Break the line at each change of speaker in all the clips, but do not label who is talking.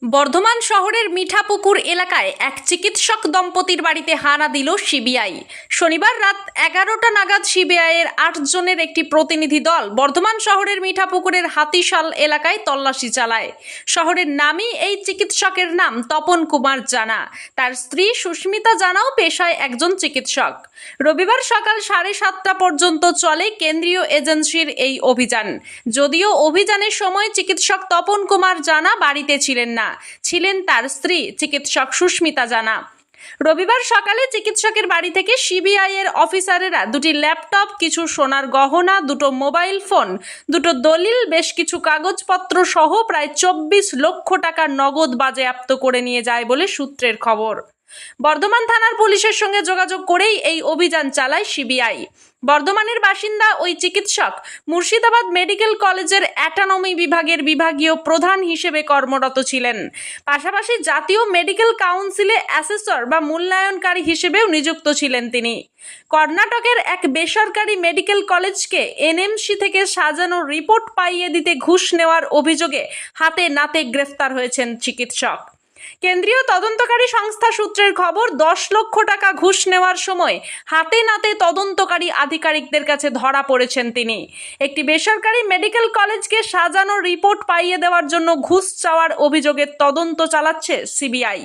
বর্ধমান শহরের মিঠাপুকুর এলাকায় এক চিকিৎসক দম্পতির বাড়িতে হানা দিল সিবিআই। শনিবার রাত 11টা নাগাদ সিবিআইয়ের 8 জনের একটি প্রতিনিধি দল বর্ধমান শহরের মিঠাপুকুরের হাতিশাল এলাকায় তল্লাশি চালায়। শহরের নামী এই চিকিৎসকের নাম তপন কুমার জানা। তার স্ত্রী সুস্মিতা জানাও পেশায় একজন চিকিৎসক। রবিবার সকাল 7:30টা পর্যন্ত চলে কেন্দ্রীয় এজেন্সির এই অভিযান। যদিও অভিযানের সময় চিকিৎসক তপন কুমার জানা বাড়িতে ছিলেন না, ছিলেন তার স্ত্রী চিকিৎসক সুস্মিতা জানা। রবিবার সকালে চিকিৎসকের বাড়ি থেকে সিবিআই এর অফিসারেরা দুটি ল্যাপটপ, কিছু সোনার গহনা, দুটো মোবাইল ফোন, দুটো দলিল, বেশ কিছু কাগজপত্র সহ প্রায় 24 লক্ষ টাকা নগদ বাজেয়াপ্ত করে নিয়ে যায় বলে সূত্রের খবর। বর্ধমান থানার পুলিশের সঙ্গে যোগাযোগ করেই এই অভিযান চালায় সিবিআই। বর্ধমানের বাসিন্দা ওই চিকিৎসক মুর্শিদাবাদ মেডিকেল কলেজের অ্যাটানমি বিভাগের বিভাগীয় প্রধান হিসেবে কর্মরত ছিলেন। পাশাপাশি জাতীয় মেডিকেল কাউন্সিলে অ্যাসেসর বা মূল্যায়নকারী হিসেবেও নিযুক্ত ছিলেন তিনি। কর্ণাটকের এক বেসরকারি মেডিকেল কলেজকে এনএমসি থেকে সাজানো রিপোর্ট পাইয়ে দিতে ঘুষ নেওয়ার অভিযোগে হাতে নাতে গ্রেফতার হয়েছেন চিকিৎসক। কেন্দ্রীয় তদন্তকারী সংস্থা সূত্রের খবর, 10 লক্ষ টাকা ঘুষ নেওয়ার সময় হাতে নাতে তদন্তকারী আধিকারিকদের কাছে ধরা পড়েছেন তিনি। একটি বেসরকারি মেডিকেল কলেজকে সাজানো রিপোর্ট পাইয়ে দেওয়ার জন্য ঘুষ চাওয়ার অভিযোগের তদন্ত চালাচ্ছে সিবিআই।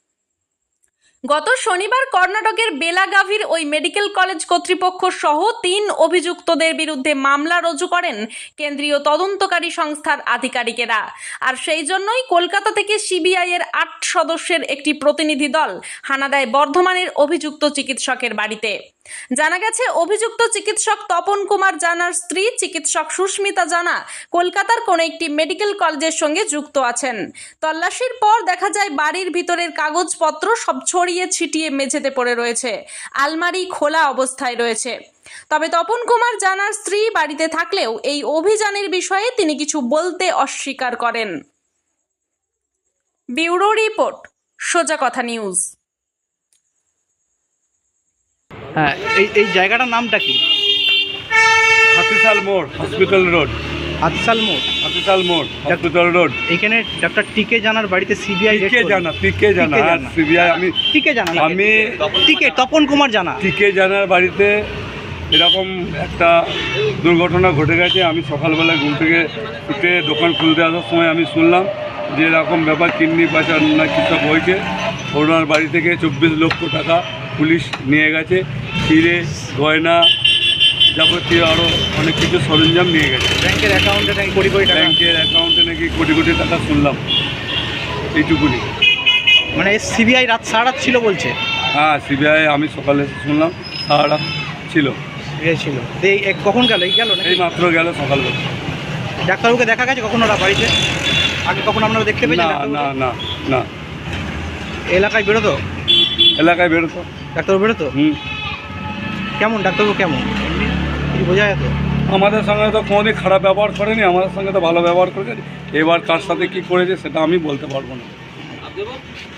গত শনিবার কর্ণাটকের বেলাগাভির ওই মেডিকেল কলেজ কর্তৃপক্ষ সহ 3 অভিযুক্তদের বিরুদ্ধে মামলা রুজু করেন কেন্দ্রীয় তদন্তকারী সংস্থার আধিকারিকেরা। আর সেই জন্যই কলকাতা থেকে সিবিআই এর 8 সদস্যের একটি প্রতিনিধি দল হানা দেয় বর্ধমানের অভিযুক্ত চিকিৎসকের বাড়িতে। জানা গেছে, অভিযুক্ত চিকিৎসক তপন কুমার জানার স্ত্রী চিকিৎসক সুস্মিতা জানা কলকাতার কোনো একটি মেডিকেল কলেজের সঙ্গে যুক্ত আছেন। তল্লাশির পর দেখা যায় বাড়ির ভিতরের কাগজপত্র সব ছড়িয়ে ছিটিয়ে মেঝেতে পড়ে রয়েছে, আলমারি খোলা অবস্থায় রয়েছে। তবে তপন কুমার জানার স্ত্রী বাড়িতে থাকলেও এই অভিযানের বিষয়ে তিনি কিছু বলতে অস্বীকার করেন। ব্যুরো রিপোর্ট, সোজা কথা নিউজ।
হ্যাঁ, এই জায়গাটার নামটা কি?
হাতিশাল মোড়, হসপিটাল রোড।
হাতিশাল মোড়,
হাতিশাল মোড়, হসপিটাল রোড।
এখানে ডক্টর টিকে জানার বাড়িতে সিবিআই
টিকে জানা সিবিআই আমি
টিকে তপন কুমার জানা
টিকে জানার বাড়িতে এরকম একটা দুর্ঘটনা ঘটে গেছে। আমি সকালবেলা ঘুম থেকে উঠে দোকান খুলতে আসার সময় আমি শুনলাম যে এরকম ব্যাপার, কিডনি পাচার না কিছু হয়েছে। ওনার বাড়ি থেকে 24 লক্ষ টাকা পুলিশ নিয়ে গেছে, হিরে গয়না যাবতীয় আরও অনেক কিছু সরঞ্জাম নিয়ে গেছে।
ব্যাংকের অ্যাকাউন্টে নাকি
নাকি কোটি কোটি টাকা শুনলাম, এইটুকুনি।
মানে সিবিআই রাত সারা রাত ছিল বলছে?
হ্যাঁ, সিবিআই আমি সকালে শুনলাম সারা রাত ছিল।
ছিল কখন গেল?
এই মাত্র গেল সকালবেলা।
ডাক্তারবাবুকে দেখা গেছে কখনো ওরা বাড়িতে? আগে কখন আপনারা দেখতে পেয়েছেন?
না না না।
এলাকায় বেরোতো? ডাক্তারবাবু বেরোতো? কেমন ডাক্তারবাবু? কেমন এমনি কিছু বোঝা যেত?
আমাদের সঙ্গে তো কোনোদিন খারাপ ব্যবহার করেনি, আমাদের সঙ্গে তো ভালো ব্যবহার করেনি। এবার কার সাথে কী করেছে সেটা আমি বলতে পারবো না।